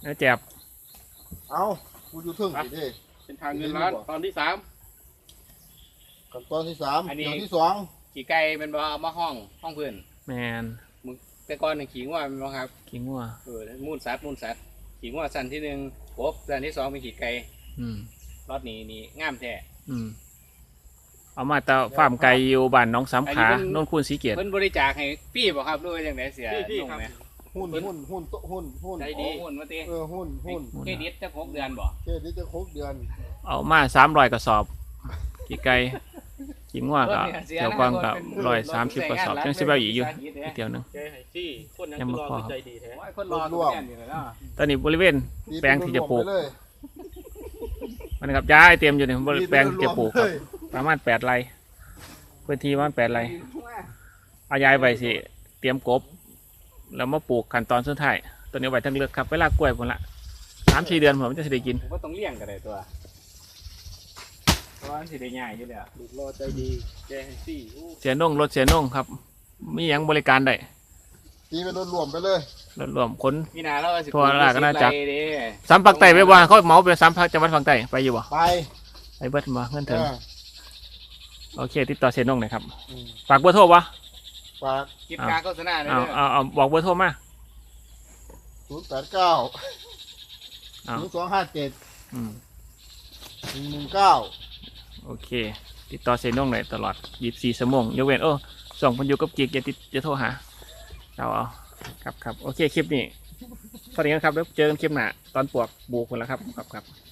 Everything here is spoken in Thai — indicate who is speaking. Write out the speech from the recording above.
Speaker 1: แล้วแจ็บ
Speaker 2: เอากูอยู่ทึ่งสิเด้
Speaker 3: เป็นทางเงินล้านตอนที่3
Speaker 2: ขั้นตอนที่3เดี๋ยวที่2
Speaker 3: ขี่ไก่เป็นบ่เอามาห้องเพื่อน
Speaker 1: แมน
Speaker 3: แต่ก่อนนี่ขี่งัวเป็นบ่ครับ
Speaker 1: ขิงวัว
Speaker 3: มูนสัตว์ขี่งัวสันที่1กบสันที่2เป็นขี่ไก่รถนี่งามแท้
Speaker 1: เอามาแต่ฟาร์มไก่อยู่บ้านน้องสามขาโน่นคูนสีเกียรติ
Speaker 3: เพิ่นบริจาคให้พี่บ่ครับด้วยจังไดเสียพี่ครับ
Speaker 2: หุ้น
Speaker 3: ใจดีหุ้นมาติ
Speaker 2: หุ้น
Speaker 3: เครดิตจะ6 เดือนบ่
Speaker 2: เครดิตจะ6 เดือน
Speaker 1: เอามา300 กระสอบกี่ไก่ขิงวัวก็เกี่ยวกองกับ130 กระสอบยังสิบเอาอีกอยู่เดียวนึง
Speaker 3: ยังบ่พอใจดีแท้คนรอตัวแน่อยู่แล้ว
Speaker 1: ตอนนี้บริเวณแปลงที่จะปลูกมันครับย้ายเตรียมอยู่ในแปลงที่จะปลูกครับประมาณ8 ไร่พื้นที่ประมาณ8 ไร่เอาย้ายไปสิเตรียมกบแล้วมาปลูกขั้นตอนสุดท้ายตัวนี้ไว้ทั้งเลือกครับเวลากล้วยผมละ3-4 เดือนผมจะได้กิน
Speaker 3: ผมก็ต้องเลี้ยงกันเลยตัวเพราะว่าสิได้ง่ายอยู่แล้วลูกรอใจดีแกให้ซี่
Speaker 1: เสียน่งรถเสียน่งครับมีอย่างบริการได้
Speaker 2: ตีเป็นรวมไปเลย
Speaker 1: รวมคน
Speaker 3: มีนาเรา
Speaker 1: ทัวร์ละก็น่าจักสามปักไต่ไปว่าเขาเหมาไปสามพักจังหวัดฝั่งใต้ไปอยู่บ่ไปเบิดมาเงินถึงโอเคติดต่อเสียน่งหน่อยครับฝากเบอร์โทรวะ
Speaker 2: ฝาก
Speaker 3: กินการโฆษณาเลย
Speaker 1: เอาบอกเบอร์โทรมา
Speaker 2: 089 257 119
Speaker 1: โอเคติดต่อเสียน่งหน่อยตลอด24 ชั่วโมงยกเว้นส่งคนอยู่กับกิ๊กอย่าโทรหาเอาครับโอเคคลิปนี้สวัสดีครับแล้วเจอกันคลิปหน้าตอนปวกบูคนแล้วครับ